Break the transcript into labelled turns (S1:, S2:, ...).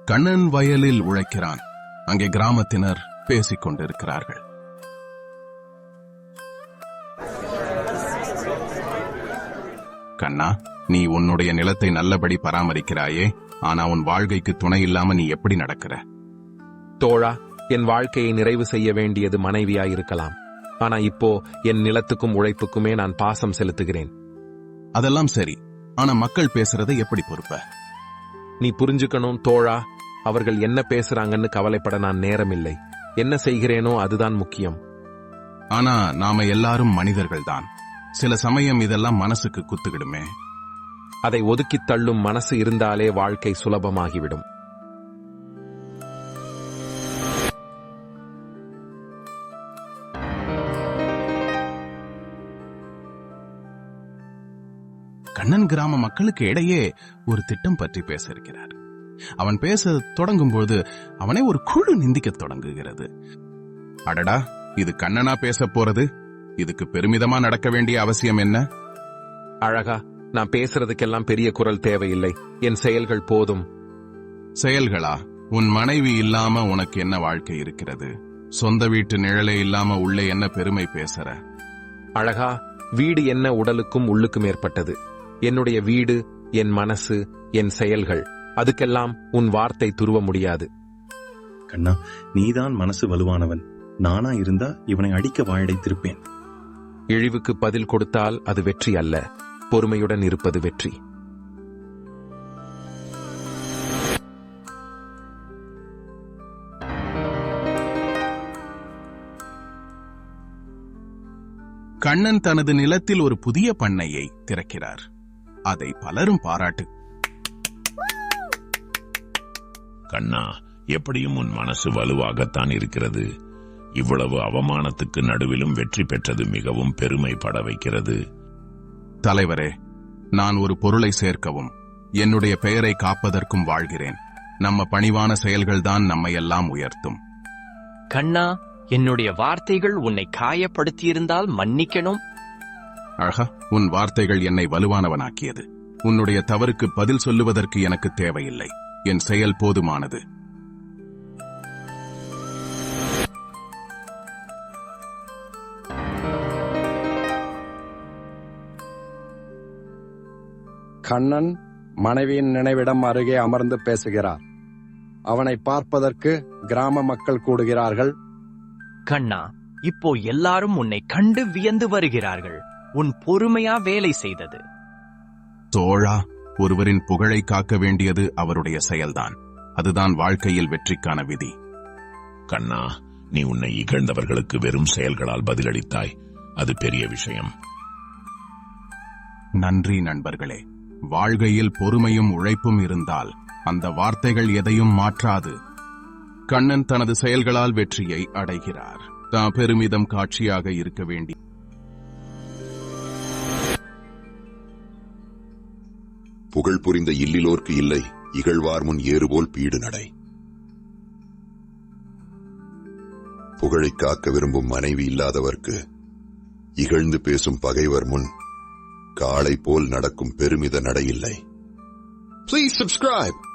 S1: கண்ணன் வயலில் உழைக்கிறான். அங்கே கிராமத்தினர் பேசிக் கொண்டிருக்கிறார்கள். கண்ணா, நீ உன்னுடைய நிலத்தை நல்லபடி பராமரிக்கிறாயே, ஆனா உன் வாழ்க்கைக்கு துணை இல்லாம நீ எப்படி நடக்கிற?
S2: தோழா, என் வாழ்க்கையை நிறைவு செய்ய வேண்டியது மனைவியாயிருக்கலாம். ஆனா இப்போ என் நிலத்துக்கும் உழைப்புக்குமே நான் பாசம் செலுத்துகிறேன்.
S1: அதெல்லாம் சரி, ஆனா மக்கள் பேசுறதை எப்படி பொறுப்ப?
S2: நீ புரிஞ்சுக்கணும் தோழா, அவர்கள் என்ன பேசுறாங்கன்னு கவலைப்பட நான் நேரமில்லை. என்ன செய்கிறேனோ அதுதான் முக்கியம்.
S1: ஆனா நாம எல்லாரும் மனிதர்கள்தான். சில சமயம் இதெல்லாம் மனசுக்கு குத்துக்கிடுமே.
S2: அதை ஒதுக்கித் தள்ளும் மனசு இருந்தாலே வாழ்க்கை சுலபமாகிவிடும்.
S1: கண்ணன் கிராம மக்களுக்கு இடையே ஒரு திட்டம் பற்றி பேச இருக்கிறார். அவன் பேச தொடங்கும்போது அவனை ஒரு குழு நிந்திக்க தொடங்குகிறது. அடடா, இது கண்ணனா பேச போறது? இதுக்கு பெருமிதமா நடக்க வேண்டிய அவசியம் என்ன?
S2: அழகா, நான் பேசுறதுக்கெல்லாம் பெரிய குரல் தேவையில்லை. என் செயல்கள் போதும்.
S1: செயல்களா? உன் மனைவி இல்லாம உனக்கு என்ன வாழ்க்கை இருக்கிறது? சொந்த வீட்டு நிழலே இல்லாம உள்ளே என்ன பெருமை பேசுற?
S2: அழகா, வீடு என்ன உடலுக்கும் உள்ளுக்கும் ஏற்பட்டது. என்னுடைய வீடு, என் மனசு, என் செயல்கள், அதுக்கெல்லாம் உன் வார்த்தை துருவ முடியாது.
S3: கண்ணா, நீதான் மனசு வலுவானவன். நானா இருந்தா இவனை அடிக்க வாயடைத்திருப்பேன்.
S2: இழிவுக்கு பதில் கொடுத்தால் அது வெற்றி அல்ல, பொறுமையுடன் இருப்பது வெற்றி.
S1: கண்ணன் தனது நிலத்தில் ஒரு புதிய பண்ணையை திறக்கிறார். அதை பலரும் பாராட்டு.
S4: கண்ணா, எப்படியும் உன் மனசு வலுவாகத்தான் இருக்கிறது. இவ்வளவு அவமானத்துக்கு நடுவிலும் வெற்றி பெற்றது மிகவும் பெருமைப்பட வைக்கிறது.
S1: தலைவரே, நான் ஒரு பொருளை சேர்க்கவும் என்னுடைய பெயரை காப்பதற்கும் வாழ்கிறேன். நம்ம பணிவான செயல்கள்தான் நம்மை எல்லாம் உயர்த்தும்.
S5: கண்ணா, என்னுடைய வார்த்தைகள் உன்னை காயப்படுத்தியிருந்தால் மன்னிக்கணும்.
S1: அழகா, உன் வார்த்தைகள் என்னை வலுவானவனாக்கியது. உன்னுடைய தவறுக்கு பதில் சொல்லுவதற்கு எனக்கு தேவையில்லை. என் செயல் போதுமானது.
S6: கண்ணன் மனைவியின் நினைவிடம் அருகே அமர்ந்து பேசுகிறார். அவனை பார்ப்பதற்கு கிராம மக்கள் கூடுகிறார்கள்.
S5: கண்ணா, இப்போ எல்லாரும் உன்னை கண்டு வியந்து வருகிறார்கள். உன் பொறுமையா வேலை செய்தது.
S1: தோழா, ஒருவரின் புகழை காக்க வேண்டியது அவருடைய செயல்தான். அதுதான் வாழ்க்கையில் வெற்றிக்கான விதி.
S4: கண்ணா, நீ உன்னை இகழ்ந்தவர்களுக்கு வெறும் செயல்களால் பதிலளித்தாய். அது பெரிய விஷயம்.
S1: நன்றி நண்பர்களே. வாழ்க்கையில் பொறுமையும் உழைப்பும் இருந்தால் அந்த வார்த்தைகள் எதையும் மாற்றாது. கண்ணன் தனது செயல்களால் வெற்றியை அடைகிறார். தான் பெருமிதம் காட்சியாக இருக்க வேண்டி.
S7: புகழ் புரிந்த இல்லிலோர்க்கு இல்லை, இகழ்வார் முன் ஏறுபோல் பீடு நடை. புகழை காக்க விரும்பும் மனைவி இல்லாதவர்க்கு இகழ்ந்து பேசும் பகைவர் முன் காளை போல் நடக்கும் பெருமித நடையில்லை. Please subscribe.